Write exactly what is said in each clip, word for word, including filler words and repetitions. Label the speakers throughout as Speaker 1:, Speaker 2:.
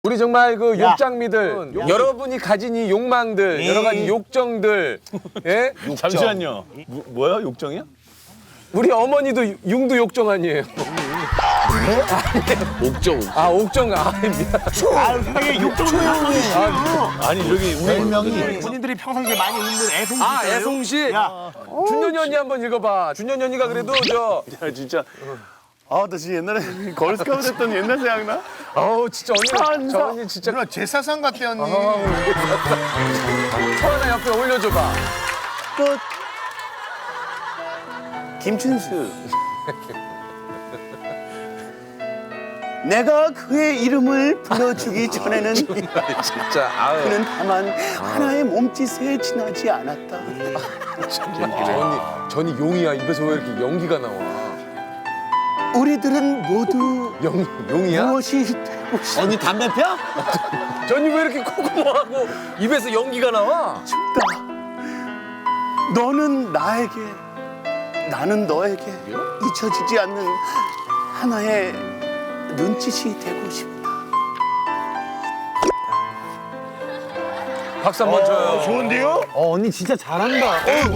Speaker 1: 우리 정말 그
Speaker 2: 야.
Speaker 1: 욕장미들, 욕- 여러분이 가진 이 욕망들,
Speaker 2: 이.
Speaker 1: 여러 가지 욕정들, 예?
Speaker 3: 잠시만요. 뭐, 뭐야? 욕정이야?
Speaker 1: 우리 어머니도 융도 욕정 아니에요? 옥정. 아, 옥정. 아, 미안.
Speaker 2: 아유, 세상에 욕정을 하고
Speaker 3: 아니 저기 우리
Speaker 2: 별명이 본인들이 평상시에 많이 읽는 애송이.
Speaker 1: 아, 애송씨.
Speaker 2: 야,
Speaker 1: 준현이 언니 한번 읽어봐. 준현이 언니가 그래도 저,
Speaker 3: 야 진짜 아 나 진짜 옛날에 걸스카우트 했던 옛날 생각나?
Speaker 1: 어우, 진짜 언니, 저 언니 진짜.
Speaker 4: 누나 제사상 같대 언니.
Speaker 1: 초 하나 옆에 올려줘봐.
Speaker 2: 끝. 김춘수. 내가 그의 이름을 불러주기 전에는
Speaker 1: 진짜, 아유.
Speaker 2: 그는 다만 하나의 몸짓에 지나지 않았다.
Speaker 1: 정말 저 언니, 저 언니 용이야. 입에서 왜 이렇게 연기가 나와?
Speaker 2: 우리들은 모두
Speaker 1: 용, 용이야?
Speaker 2: 무엇이 되고 싶다.
Speaker 3: 언니 담배 펴?
Speaker 1: 저 언니 왜 이렇게 코고모하고 입에서 연기가 나와?
Speaker 2: 너는 나에게, 나는 너에게 잊혀지지 않는 하나의 눈짓이 되고 싶다.
Speaker 1: 박수 한번 쳐요.
Speaker 3: 좋은데요?
Speaker 5: 어, 언니 진짜 잘한다.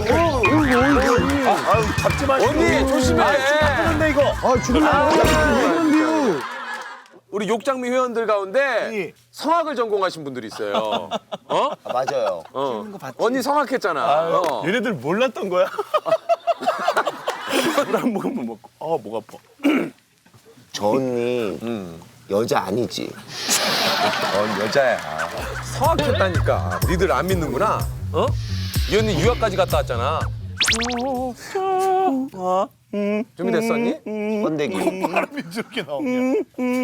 Speaker 3: 아유 잡지 마시고.
Speaker 1: 언니, 조심해.
Speaker 3: 근데 이거
Speaker 5: 아, 죽을라. 이건데요.
Speaker 1: 우리 욕장미 회원들 가운데 성악을 전공하신 분들이 있어요. 어?
Speaker 4: 맞아요.
Speaker 1: 어. 언니 성악했잖아. 어.
Speaker 3: 얘네들 몰랐던 거야? 한 모금만 먹고 아 목 아파.
Speaker 4: 저 언니 여자 아니지?
Speaker 1: 어, 여자야. 성악했다니까. 니들 안 믿는구나. 어? 이 언니 유학까지 갔다 왔잖아. 준비됐어, 언니?
Speaker 4: 번데기.
Speaker 3: 바람이 저렇게 나오냐?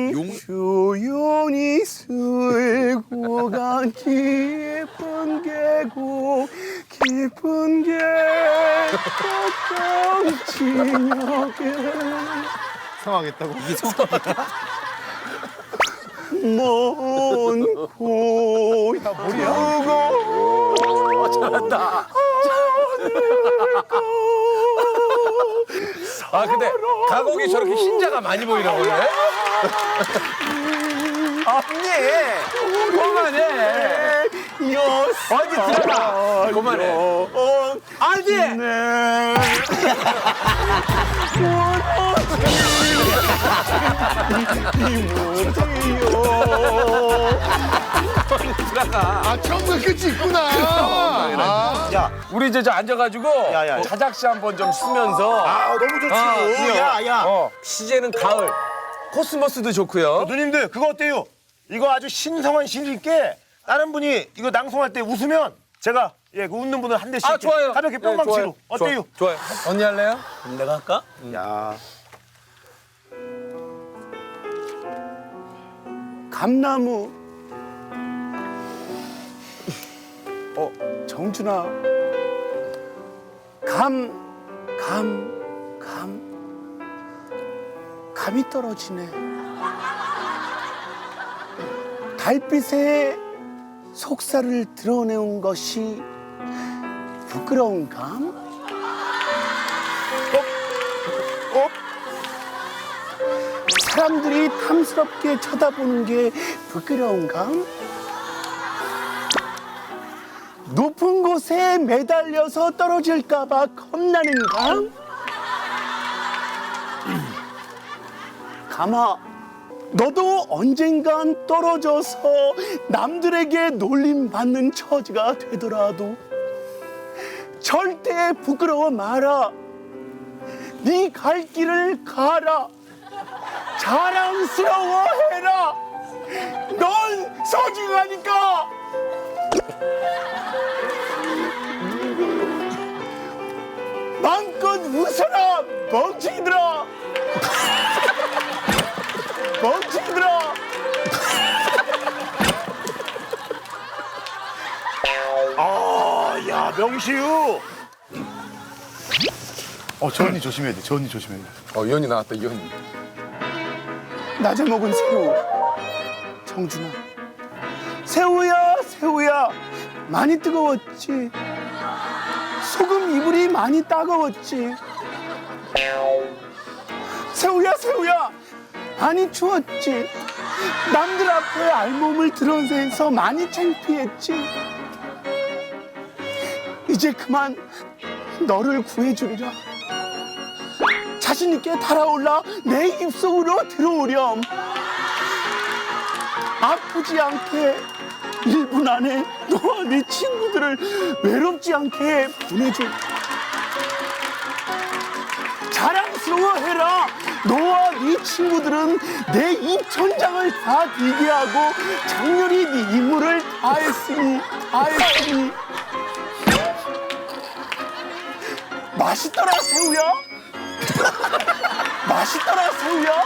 Speaker 2: 조용히 쓸고 간 깊은 계곡 깊은 계곡 진역에
Speaker 4: 상황했다고?
Speaker 2: 먼 고향
Speaker 1: 어, 잘한다. 아, 근데 가곡이 저렇게 흰자가 많이 보이나 보네. 언니, 그만해. 언니 들어가. 그만해. 언니. 들어가.
Speaker 4: 아 처음부터 끝이 있구나. 아.
Speaker 1: 야, 우리 이제 저 앉아가지고
Speaker 3: 야, 야.
Speaker 1: 자작시 한번 좀 쓰면서.
Speaker 3: 아 너무 좋지.
Speaker 1: 아, 그래요.
Speaker 3: 야 야.
Speaker 1: 어, 시제는 가을. 코스모스도 좋고요.
Speaker 3: 누님들 그거 어때요? 이거 아주 신성한 시니까 다른 분이 이거 낭송할 때 웃으면 제가 예, 그 웃는 분은 한 대씩
Speaker 1: 아,
Speaker 3: 이렇게
Speaker 1: 좋아요.
Speaker 3: 가볍게
Speaker 1: 네,
Speaker 3: 뿅망치로
Speaker 1: 좋아요.
Speaker 3: 어때요?
Speaker 1: 좋아요. 언니 할래요?
Speaker 3: 그럼 내가 할까? 야
Speaker 2: 감나무. 어, 정준아. 감, 감, 감. 감이 떨어지네. 달빛에 속살을 드러내는 것이 부끄러운 감? 어? 어? 사람들이 탐스럽게 쳐다보는 게 부끄러운가? 높은 곳에 매달려서 떨어질까봐 겁나는가? 가마, 너도 언젠간 떨어져서 남들에게 놀림받는 처지가 되더라도 절대 부끄러워 마라. 네 갈 길을 가라. 자랑스러워해라. 넌 소중하니까. 마음껏 웃어라, 멍청이들아. 멍청이들아.
Speaker 3: 야 명시우.
Speaker 4: 어저 언니 조심해야 돼. 저 언니 조심해야 돼.
Speaker 1: 어, 이 언니 나왔다, 이 언니.
Speaker 2: 낮에 먹은 새우. 정준아. 새우야, 새우야. 많이 뜨거웠지. 소금 이불이 많이 따가웠지. 새우야 새우야 많이 추웠지. 남들 앞에 알몸을 드러내서 많이 창피했지. 이제 그만 너를 구해주리라. 자신 있게 달아올라 내 입속으로 들어오렴. 아프지 않게 일 분 안에 너와 네 친구들을 외롭지 않게 보내줘. 자랑스러워해라. 너와 네 친구들은 내 입천장을 다 비게 하고 장렬히 네 임무를 다했으니 다했으니. 맛있더라 새우야. 맛있더라 새우야.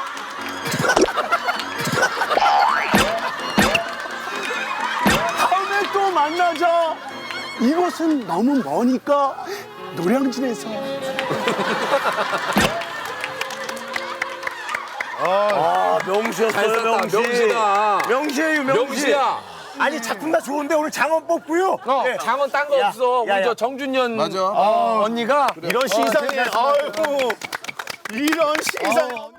Speaker 2: 다음에 또 만나자. 이곳은 너무 머니까 노량진에서.
Speaker 3: 아, 명시였어요,
Speaker 1: 잘 썼다.
Speaker 3: 명시.
Speaker 1: 명시다.
Speaker 3: 명시예요, 명시.
Speaker 1: 명시야.
Speaker 3: 아니, 작품 다 좋은데 오늘 장원 뽑고요.
Speaker 1: 어,
Speaker 3: 네.
Speaker 1: 장원 딴 거
Speaker 3: 야,
Speaker 1: 없어.
Speaker 3: 야,
Speaker 1: 우리
Speaker 3: 야.
Speaker 1: 저 정준현
Speaker 4: 맞아.
Speaker 1: 어, 언니가
Speaker 3: 이런 시상에, 아이고, 이런 시상.